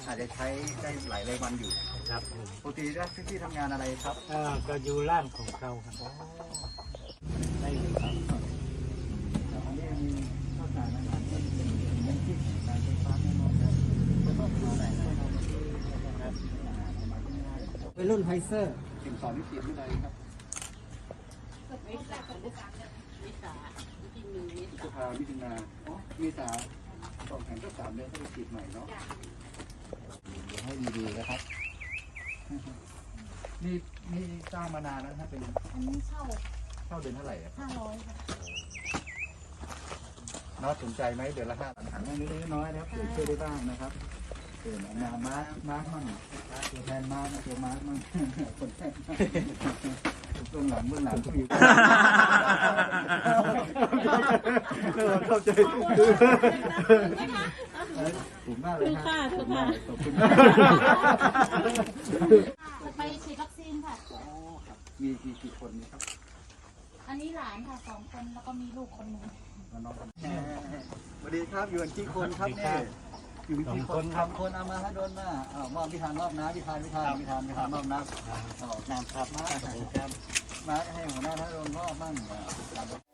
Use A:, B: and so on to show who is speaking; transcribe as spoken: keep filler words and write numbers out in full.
A: อาจจะใช้ได้หลายรายวันอยู่
B: ครับ
A: ปกติแล้วพี่ทำงานอะไรครับ
B: เอ่อก็อยู่ร่างของเขาครับ
A: ได้เลยครับอันนี้มีข้าวสารอาหารที่เป็นน้ำจิ้มการไฟฟ้าแน่นอนครับก็ต้องดูแลนะครับเป็นรุ่นไฮเซอร์สิ่งสอนวิธีวิทยครับวิสาวิสาวิสาวิธีมีวิสาวิธีนาอ๋อวิสาสองแผงก็สามเดือนก็ไปฉีดใหม่เนาะเดี๋ยวให้ดีๆนะครับนี่นี่สร้างมานานแล้วนะเป็น
C: อันนี้เช่า
A: เช่าเดือนเท่าไหร่อะ
C: ห้าร้อยค่ะ
A: น้องสนใจไหมเดือนละห้าถังนิดน้อยนะครับเดี๋ยวช่วยได้บ้างนะครับเดี๋ยวมามาร์คมาร์คมั่งตัวแทนมาร์คนะตัวมาร์คมั่งคนแทนเบื้องหลังเบื้องหลังก็มีเข้าใจถูกมากเลยค่ะถูกมากขอบคุณมาก
C: จะไปฉีดวัคซีนค่ะ
A: มีกี่กี่คนนี่ครับ
C: อันนี้หลานค่ะสองคนแล้วก็มีลูกคนหนึ่ง
A: น้องคนสวัสดีครับอยู่กันกี่คนครับเนี่ยอยู่กันกี่คนทำคนเอามาให้โดนมาอ้าวมอบพิธานมอบน้ำพิธานพิธานพิธานพิธานมอบน้ำอ๋อน้ำครับมามาให้หัวหน้าให้โดนมอบมั่ง